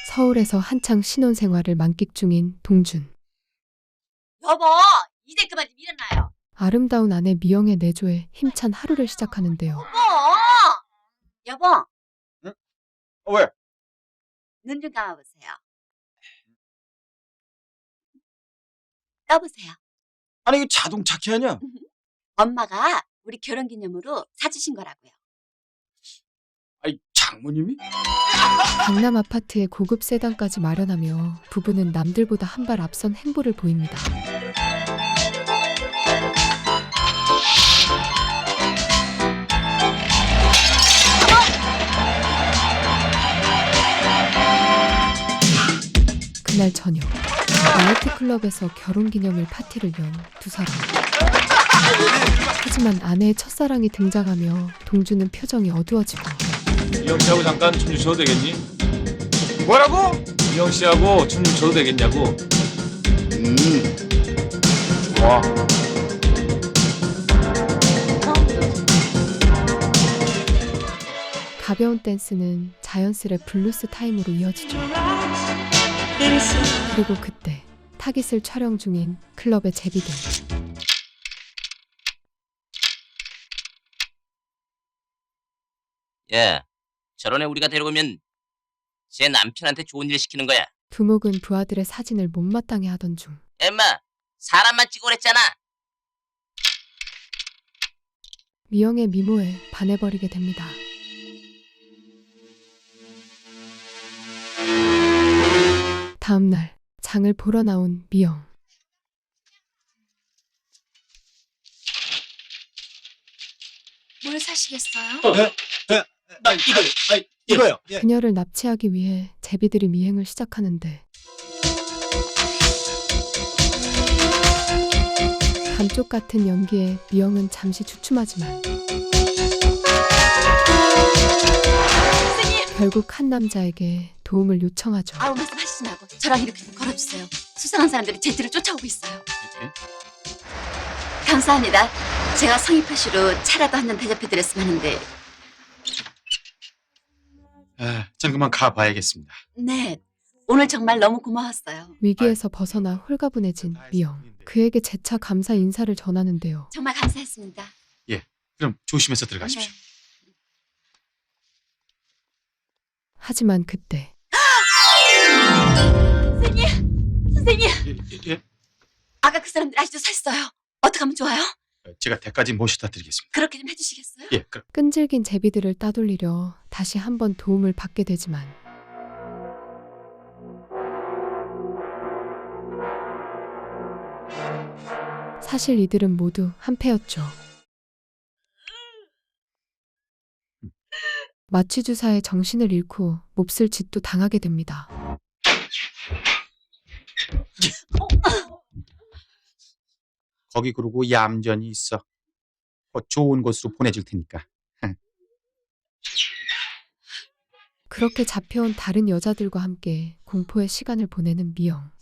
서울에서 한창 신혼생활을 만끽 중인 동준. 여보, 이제 그만 좀 일어나요. 아름다운 아내 미영의 내조에 힘찬 하루를 시작하는데요. 여보, 응? 왜? 눈 좀 감아보세요. 떠보세요. 아니 이거 자동차 키 아니야? 엄마가 우리 결혼기념으로 사주신 거라고요. 아니 장모님이? 강남 아파트에 고급 세단까지 마련하며 부부는 남들보다 한 발 앞선 행보를 보입니다. 그날 저녁, 나이트클럽에서 결혼기념일 파티를 연 두 사람. 하지만 아내의 첫사랑이 등장하며 동주는 표정이 어두워지고 미영 씨하고 잠깐 춤 좀 춰도 되겠니? 뭐라고? 미영 씨하고 춤 좀 춰도 되겠냐고. 좋아. 가벼운 댄스는 자연스레 블루스 타임으로 이어지죠. 그리고 그때 타깃을 촬영 중인 클럽의 제비들. 야, 저런 애 우리가 데려오면 제 남편한테 좋은 일 시키는 거야. 두목은 부하들의 사진을 못마땅해 하던 중 엠마, 사람만 찍어 그랬잖아. 미영의 미모에 반해버리게 됩니다. 다음날 장을 보러 나온 미영. 뭘 사시겠어요? 이거요. 예. 그녀를 납치하기 위해 제비들이 미행을 시작하는데 감쪽 같은 연기에 미영은 잠시 주춤하지만 결국 한 남자에게 도움을 요청하죠. 아무 말씀 하시지 말고 저랑 이렇게 좀 걸어주세요. 수상한 사람들이 제 뒤를 쫓아오고 있어요. 감사합니다. 제가 성의 표시로 차라도 한 잔 대접해드렸으면 하는데. 전 그만 가봐야겠습니다. 네, 오늘 정말 너무 고마웠어요. 위기에서 벗어나 홀가분해진 미영. 그에게 재차 감사 인사를 전하는데요. 정말 감사했습니다. 그럼 조심해서 들어가십시오. 네. 하지만 그때 선생님, 예. 아까 그 사람들 아직도 샀어요. 어떻게 하면 좋아요? 제가 대까지 모셔다 드리겠습니다. 그렇게 좀 해주시겠어요? 예, 그럼. 끈질긴 제비들을 따돌리려 다시 한번 도움을 받게 되지만 사실 이들은 모두 한패였죠. 마취 주사에 정신을 잃고 몹쓸 짓도 당하게 됩니다. 거기 그러고 얌전히 있어. 좋은 곳으로 보내줄 테니까. 그렇게 잡혀온 다른 여자들과 함께 공포의 시간을 보내는 미영.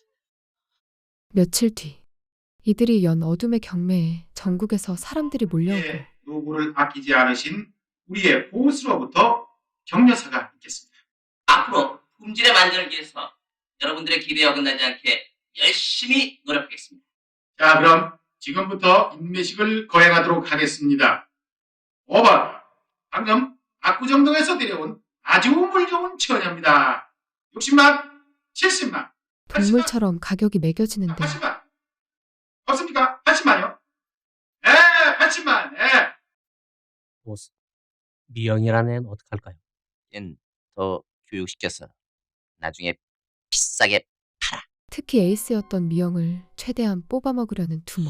며칠 뒤 이들이 연 어둠의 경매에 전국에서 사람들이 몰려오고 노고를 아끼지 않으신 우리의 보스로부터 격려사가 있겠습니다. 앞으로 품질의 만전을 위해서 여러분들의 기대에 어긋나지 않게 열심히 노력하겠습니다. 자, 그럼 지금부터 인매식을 거행하도록 하겠습니다. 5번, 방금 압구정동에서 데려온 아주 물 좋은 처녀입니다. 60만, 70만, 동물처럼 가격이 매겨지는데 80만. 없습니까? 80만요? 네, 80만, 네. 보스, 미영이라는 애는 어떡할까요? 얜 더 교육시켜서 나중에 비싸게 특히 에이스였던 미영을 최대한 뽑아먹으려는 두목.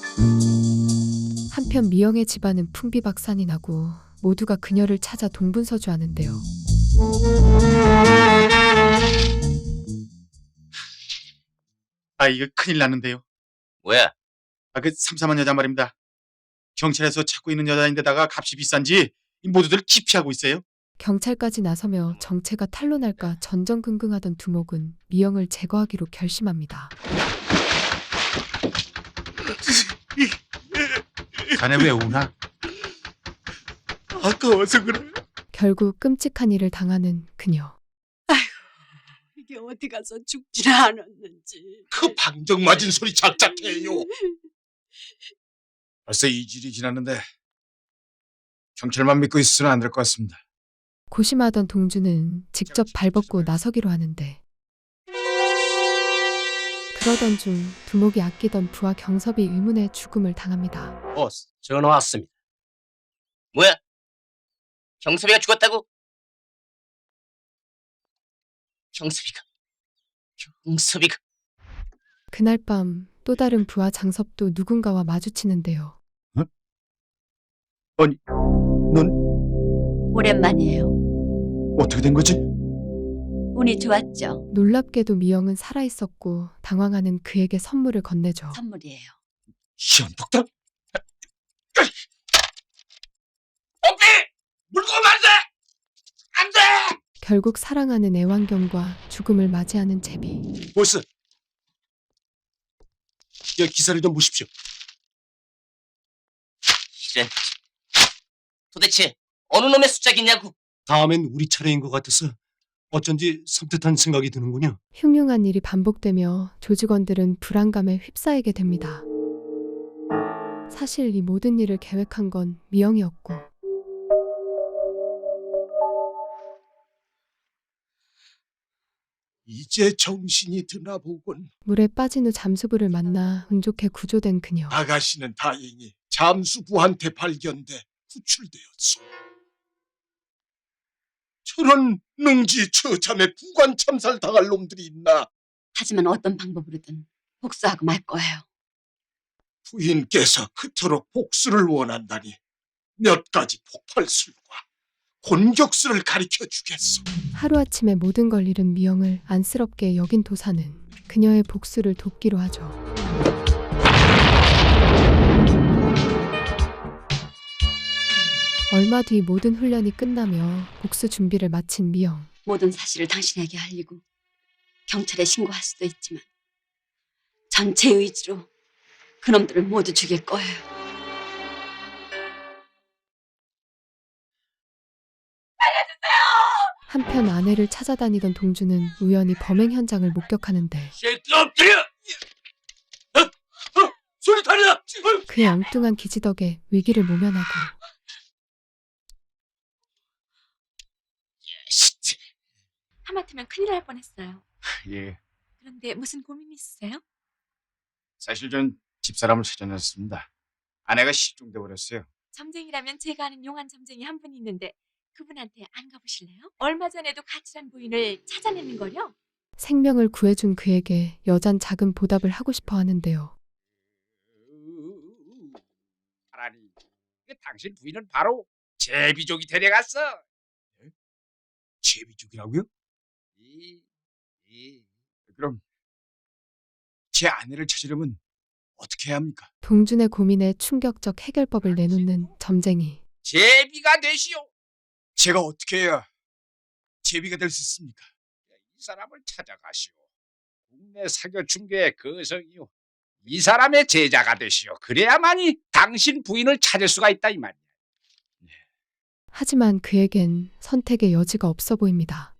한편 미영의 집안은 풍비박산이 나고 모두가 그녀를 찾아 동분서주하는데요. 이거 큰일 났는데요. 뭐야? 그 삼삼한 여자 말입니다. 경찰에서 찾고 있는 여자인데다가 값이 비싼지 모두들 기피하고 있어요. 경찰까지 나서며 정체가 탄로날까 전전긍긍하던 두목은 미영을 제거하기로 결심합니다. 자네 왜 우나? 아까워서 그래. 결국 끔찍한 일을 당하는 그녀. 이게 어디 가서 죽질 않았는지. 그 방정 맞은 소리 작작해요. 벌써 2주일이 지났는데 경찰만 믿고 있으면 안 될 것 같습니다. 고심하던 동주는 직접 발벗고 나서기로 하는데 그러던 중 두목이 아끼던 부하 경섭이 의문의 죽음을 당합니다. 보스, 전화 왔습니다. 뭐야? 경섭이가 죽었다고? 경섭이가 그날 밤 또 다른 부하 장섭도 누군가와 마주치는데요. 아니, 넌 오랜만이에요. 어떻게 된 거지? 운이 좋았죠. 놀랍게도 미영은 살아있었고 당황하는 그에게 선물을 건네죠. 선물이에요. 시원폭탄? 오피! 물고 오면 안 돼! 안 돼! 결국 사랑하는 애완견과 죽음을 맞이하는 제비. 보스, 여기 기사를 좀 보십시오. 이런. 도대체 어느 놈의 숫자겠냐고? 다음엔 우리 차례인 것 같아서 어쩐지 섬뜩한 생각이 드는군요. 흉흉한 일이 반복되며 조직원들은 불안감에 휩싸이게 됩니다. 사실 이 모든 일을 계획한 건 미영이었고 이제 정신이 드나 보군. 물에 빠진 후 잠수부를 만나 운 좋게 구조된 그녀. 아가씨는 다행히 잠수부한테 발견돼 구출되었소. 저런 능지처참에 부관 참살 당할 놈들이 있나. 하지만 어떤 방법으로든 복수하고 말 거예요. 부인께서 그토록 복수를 원한다니 몇 가지 폭발술과 곤격술을 가르쳐 주겠소. 하루아침에 모든 걸 잃은 미영을 안쓰럽게 여긴 도사는 그녀의 복수를 돕기로 하죠. 얼마 뒤 모든 훈련이 끝나며 복수 준비를 마친 미영. 모든 사실을 당신에게 알리고 경찰에 신고할 수도 있지만 전 제 의지로 그놈들을 모두 죽일 거예요. 한편 아내를 찾아다니던 동주는 우연히 범행 현장을 목격하는데 새끼 엎드려! 소리 달려! 그의 엉뚱한 기지 덕에 위기를 모면하고 하마터면 큰일 날 뻔했어요. 예, 그런데 무슨 고민 있으세요? 사실 전 집사람을 찾아냈습니다. 아내가 실종돼 버렸어요. 점쟁이라면 제가 아는 용한 점쟁이 한 분 있는데 그분한테 안 가보실래요? 얼마 전에도 가출한 부인을 찾아내는 걸요. 생명을 구해준 그에게 여잔 작은 보답을 하고 싶어 하는데요. 하라니, 당신 부인은 바로 제비족이 데려갔어. 제비족이라고요? 그럼 제 아내를 찾으려면 어떻게 해야 합니까? 동준의 고민에 충격적 해결법을 내놓는 점쟁이. 제비가 되시오. 제가 어떻게 해야 제비가 될 수 있습니까? 이 사람을 찾아가시오. 국내 사교 중개의 거성이요. 이 사람의 제자가 되시오. 그래야만이 당신 부인을 찾을 수가 있다 이 말이야. 하지만 그에겐 선택의 여지가 없어 보입니다.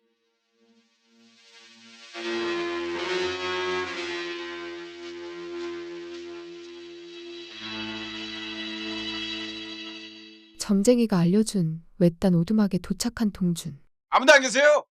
점쟁이가 알려준 외딴 오두막에 도착한 동준. 아무도 안 계세요?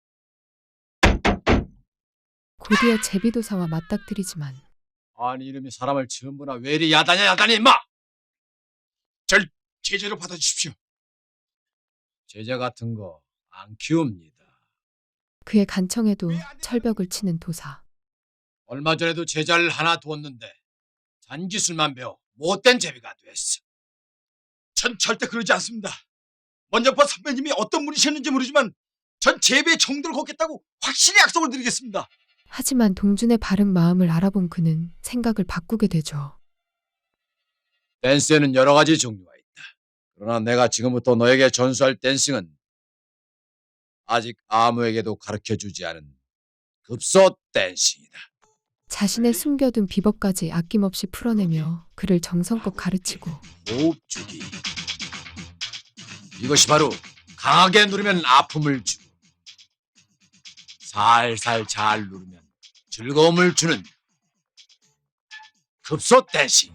곧이어 제비도사와 맞닥뜨리지만 아니 이놈이 사람을 전부나 왜 이리 야단이 임마! 절 제자로 받아주십시오. 제자 같은 거 안 키웁니다. 그의 간청에도 철벽을 치는 도사. 얼마 전에도 제자를 하나 두었는데 잔기술만 배워 못된 제비가 됐어. 전 절대 그러지 않습니다. 먼저파 선배님이 어떤 분이셨는지 모르지만 전 제비의 정도를 걷겠다고 확실히 약속을 드리겠습니다. 하지만 동준의 바른 마음을 알아본 그는 생각을 바꾸게 되죠. 댄스에는 여러 가지 종류가 있다. 그러나 내가 지금부터 너에게 전수할 댄싱은 아직 아무에게도 가르쳐주지 않은 급소 댄싱이다. 자신의 숨겨둔 비법까지 아낌없이 풀어내며 그를 정성껏 가르치고 호흡주기. 이것이 바로 강하게 누르면 아픔을 주고 살살 잘 누르면 즐거움을 주는 급소 댄싱.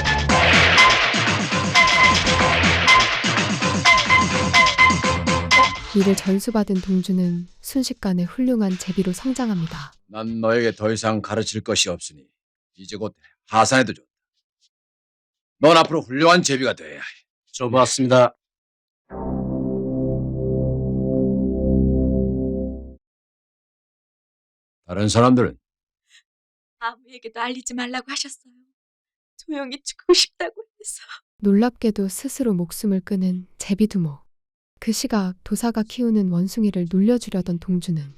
이를 전수받은 동주는 순식간에 훌륭한 제비로 성장합니다. 난 너에게 더 이상 가르칠 것이 없으니 이제 곧 하산해도 좋다. 넌 앞으로 훌륭한 제비가 돼야 해. 좋았습니다. 다른 사람들은 아무에게도 알리지 말라고 하셨어요. 조용히 죽고 싶다고 해서. 놀랍게도 스스로 목숨을 끊은 제비두목. 그 시각 도사가 키우는 원숭이를 놀려주려던 동주는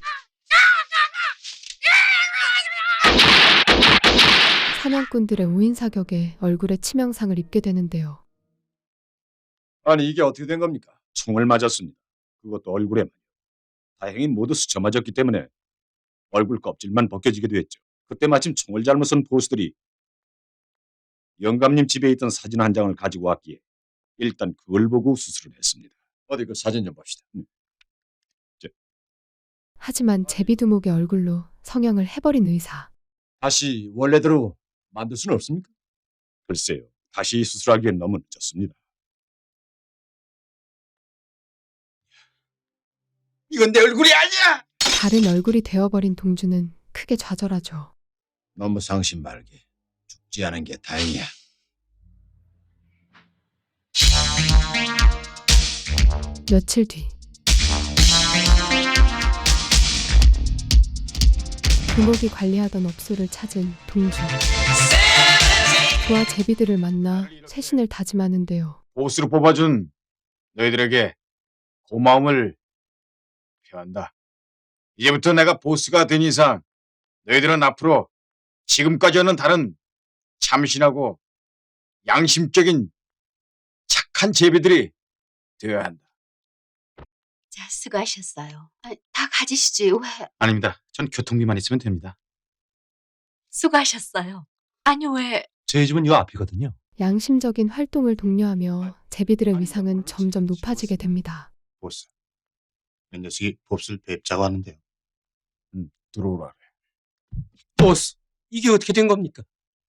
사냥꾼들의 오인사격에 얼굴에 치명상을 입게 되는데요. 아니 이게 어떻게 된 겁니까? 총을 맞았습니다. 그것도 얼굴에만. 다행히 모두 스쳐 맞았기 때문에 얼굴 껍질만 벗겨지기도 했죠. 그때 마침 총을 잘못 쏜 보수들이 영감님 집에 있던 사진 한 장을 가지고 왔기에 일단 그걸 보고 수술을 했습니다. 어디 그 사진 좀 봅시다. 하지만 제비두목의 얼굴로 성형을 해버린 의사. 다시 원래대로 만들 수는 없습니까? 글쎄요. 다시 수술하기엔 너무 늦었습니다. 이건 내 얼굴이 아니야! 다른 얼굴이 되어버린 동주는 크게 좌절하죠. 너무 상심 말게. 죽지 않은 게 다행이야. 며칠 뒤 두목이 관리하던 업소를 찾은 동주. 그와 제비들을 만나 쇄신을 다짐하는데요. 보스로 뽑아준 너희들에게 고마움을 표한다. 이제부터 내가 보스가 된 이상 너희들은 앞으로 지금까지와는 다른 참신하고 양심적인 착한 제비들이 되어야 한다. 자, 수고하셨어요. 다 가지시지 왜? 아닙니다. 전 교통비만 있으면 됩니다. 수고하셨어요. 아니 왜? 저희 집은 요 앞이거든요. 양심적인 활동을 독려하며 제비들의 위상은 점점 높아지게 됩니다. 보스. 이 녀석이 몹쓸 뵙자고 하는데요. 들어오라. 보스, 이게 어떻게 된 겁니까?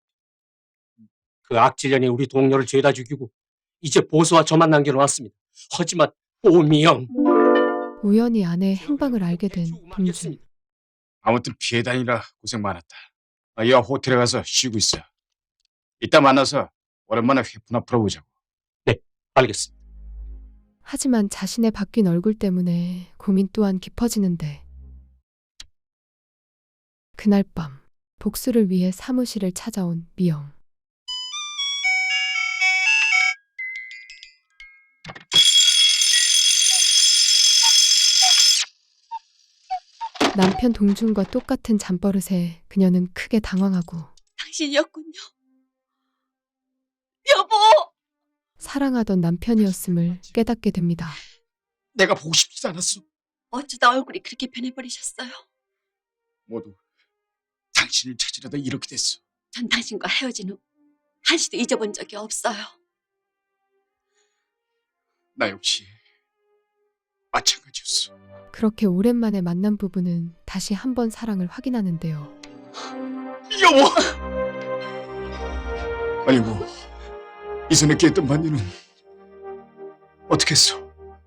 그 악질년이 우리 동료를 죄다 죽이고 이제 보스와 저만 남겨놓았습니다. 하지만 오미영. 우연히 아내의 행방을 알게 된 동주. 아무튼 피해 다니라 고생 많았다. 얘와 호텔에 가서 쉬고 있어. 이따 만나서 오랜만에 회푸나 풀어보자고. 네, 알겠습니다. 하지만 자신의 바뀐 얼굴 때문에 고민 또한 깊어지는데 그날 밤 복수를 위해 사무실을 찾아온 미영. 남편 동준과 똑같은 잠버릇에 그녀는 크게 당황하고 당신이었군요. 여보! 사랑하던 남편이었음을 깨닫게 됩니다. 내가 보고 싶지 않았어. 어쩌다 얼굴이 그렇게 변해버리셨어요? 모두 당신을 찾으려다 이렇게 됐어. 전 당신과 헤어진 후 한시도 잊어본 적이 없어요. 나 역시 마찬가지였어. 그렇게 오랜만에 만난 부부는 다시 한번 사랑을 확인하는데요. 여보! 아이고, 이전에 깼던 반지는 어떻게 했어?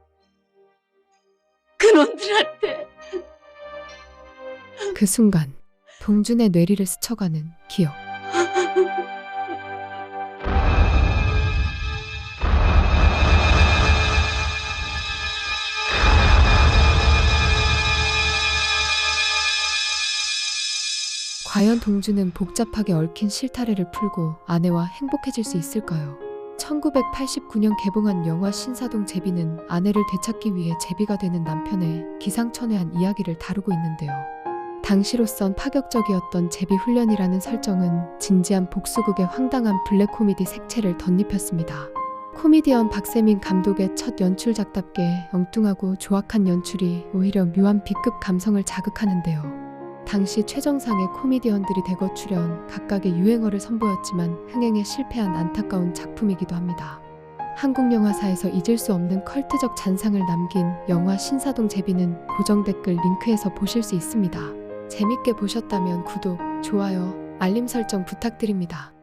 그놈들한테. 그 순간 동준의 뇌리를 스쳐가는 기억. 과연 동주는 복잡하게 얽힌 실타래를 풀고 아내와 행복해질 수 있을까요? 1989년 개봉한 영화 신사동 제비는 아내를 되찾기 위해 제비가 되는 남편의 기상천외한 이야기를 다루고 있는데요. 당시로선 파격적이었던 제비 훈련이라는 설정은 진지한 복수극의 황당한 블랙 코미디 색채를 덧입혔습니다. 코미디언 박세민 감독의 첫 연출작답게 엉뚱하고 조악한 연출이 오히려 묘한 B급 감성을 자극하는데요. 당시 최정상의 코미디언들이 대거 출연, 각각의 유행어를 선보였지만 흥행에 실패한 안타까운 작품이기도 합니다. 한국 영화사에서 잊을 수 없는 컬트적 잔상을 남긴 영화 신사동 제비는 고정 댓글 링크에서 보실 수 있습니다. 재밌게 보셨다면 구독, 좋아요, 알림 설정 부탁드립니다.